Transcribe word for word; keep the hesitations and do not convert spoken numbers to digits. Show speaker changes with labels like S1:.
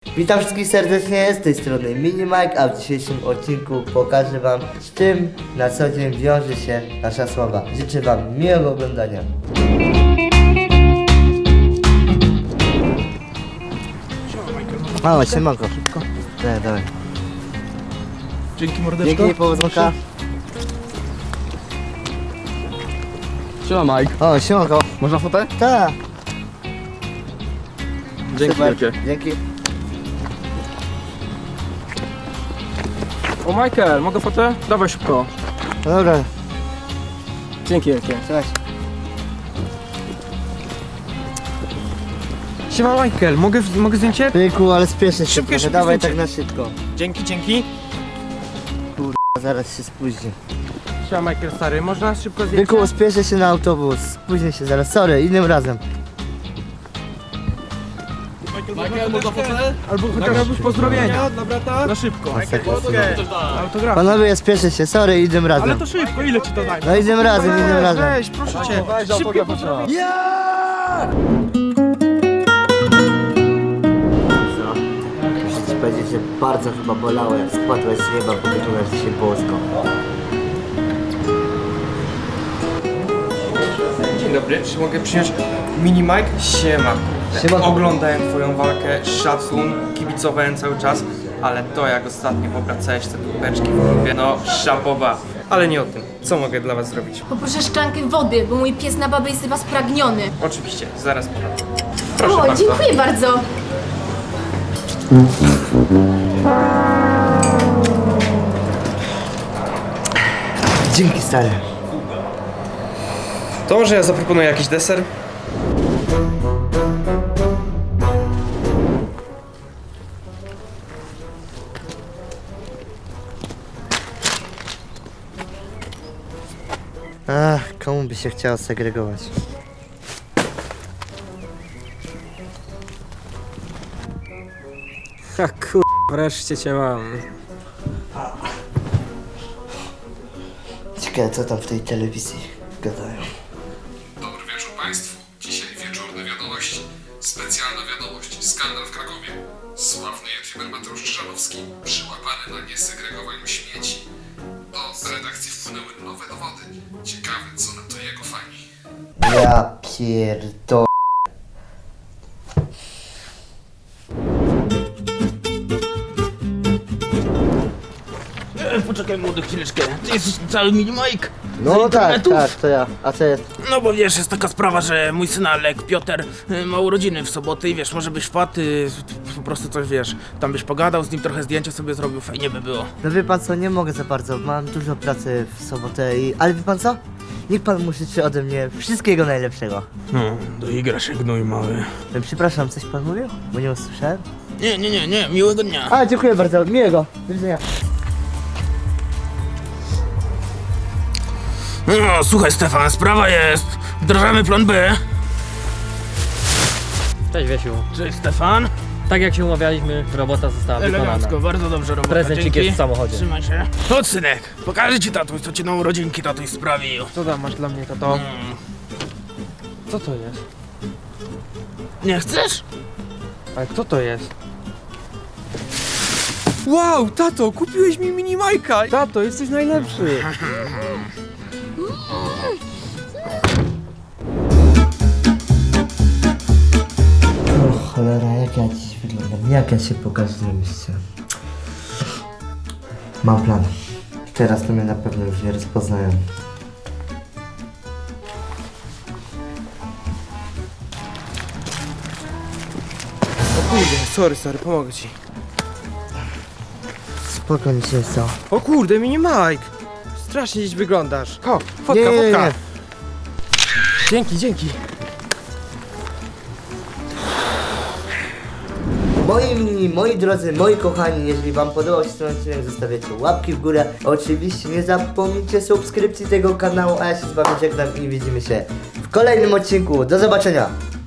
S1: Witam wszystkich serdecznie, z tej strony Mini Mike, a w dzisiejszym odcinku pokażę wam, z czym na co dzień wiąże się nasza sława. Życzę wam miłego oglądania. Mamo, siemanko. Szybko. Dawaj, dawaj.
S2: Dzięki mordeczko.
S1: Dzięki, powodzonka.
S2: Siema Mike.
S1: O, siemanko.
S2: Można fotę?
S1: Tak.
S2: Dzięki
S1: Super.
S2: wielkie.
S1: Dzięki.
S2: O Michael, mogę fotę? Dawaj szybko.
S1: No dobra,
S2: Dzięki wielkie.
S1: cześć.
S2: Siema Michael, mogę, mogę zdjęcie?
S1: Pyku, ale spieszę się
S2: Szybkie,
S1: trochę,
S2: szybkie
S1: dawaj
S2: zdjęcie.
S1: tak na szybko.
S2: Dzięki, dzięki.
S1: A zaraz się spóźnię.
S2: Siema Michael stary, można szybko zdjęcie?
S1: Pyku, spieszę się na autobus, spóźnię się zaraz, sorry, innym razem.
S2: Michael, można fotę? Albo chociaż pozdrowienia. Dla brata? Na szybko.
S1: Masakra.
S2: Autograf.
S1: Panowie, ja spieszę się, sorry, innym razem.
S2: Ale to szybko, ile ci to daj?
S1: No innym razem, innym razem.
S2: Weź, proszę cię. Szybkie pozdrowienia.
S1: Co? Muszę ci powiedzieć, że bardzo chyba bolało, jak spadłeś z nieba, bo wyglądasz dzisiaj bosko.
S3: Dzień dobry, czy mogę przyjąć Mini Mike? Siema.
S1: Siema.
S3: Oglądałem twoją walkę, szacun, kibicowałem cały czas, ale to jak ostatnio obracałeś te dupeczki w klubie, no szapoba. Ale nie o tym. Co mogę dla was zrobić?
S4: Poproszę szklankę wody, bo mój pies na babę jest chyba spragniony.
S3: Oczywiście, zaraz podam. Proszę
S4: O,
S3: bardzo.
S4: dziękuję bardzo.
S1: Dzięki, stary.
S3: To może ja zaproponuję jakiś deser?
S1: Ach, komu by się chciało segregować?
S2: Ha kur... wreszcie cię mam.
S1: Ciekawe, co tam w tej telewizji gadają.
S5: Dobry wieczór Państwu. Dzisiaj wieczorne wiadomości. Specjalna wiadomość. Skandal w Krakowie. Sławny youtuber Mateusz Krzyżanowski przyłapany na niesegregowaniu śmieci. Do redakcji wpłynęły nowe dowody. Ciekawe, co na to jego fani.
S1: Ja pierdolę.
S6: Poczekaj młody chwileczkę, ty jesteś cały mini Mike?
S1: No
S6: Z
S1: tak,
S6: internetów?
S1: tak, to ja. A co jest?
S6: No bo wiesz, jest taka sprawa, że mój syn Alek, Piotr, y, ma urodziny w sobotę i wiesz, może byś wpadł, y, po prostu coś wiesz, tam byś pogadał z nim, trochę zdjęcia sobie zrobił, fajnie by było.
S1: No wie pan co, nie mogę za bardzo, mam dużo pracy w sobotę i... Ale wie pan co? Niech pan mu życzy ode mnie wszystkiego najlepszego.
S6: No, doigra się gnój mały.
S1: No, przepraszam, coś pan mówił? Bo nie usłyszałem.
S6: Nie, nie, nie, nie, miłego dnia.
S1: A, dziękuję bardzo, miłego. Do widzenia.
S6: No, słuchaj Stefan, sprawa jest, wdrażamy plan B.
S7: Cześć Wiesiu.
S6: Cześć Stefan.
S7: Tak jak się umawialiśmy, robota została wykonana.
S6: Elegancko, bardzo dobrze robota,
S7: Prezencik
S6: dzięki.
S7: jest w samochodzie.
S6: Trzymaj się. Chodź synek, pokażę ci tatuś, co ci na urodzinki tatuś sprawił.
S2: Co tam masz dla mnie, tato?
S6: Mm.
S2: Co to jest?
S6: Nie chcesz?
S2: Ale co to jest? Wow, tato, kupiłeś mi mini Majka! Tato, jesteś najlepszy!
S1: O cholera, jak ja dziś wyglądam, jak ja się pokażę na mieście. Mam plan. Teraz to mnie na pewno już nie rozpoznają.
S3: O kurde, sorry, sorry, pomogę ci.
S1: Spoko, nic się nie stało.
S3: O kurde, Mini Mike! Strasznie dziś wyglądasz. Ho, fotka,
S1: Nie, nie, nie,
S3: fotka.
S1: nie.
S3: Dzięki, dzięki.
S1: Moi mini, moi drodzy, moi kochani, jeżeli wam podobał się ten odcinek, zostawiacie łapki w górę. Oczywiście nie zapomnijcie subskrypcji tego kanału, a ja się z wami żegnam i widzimy się w kolejnym odcinku. Do zobaczenia!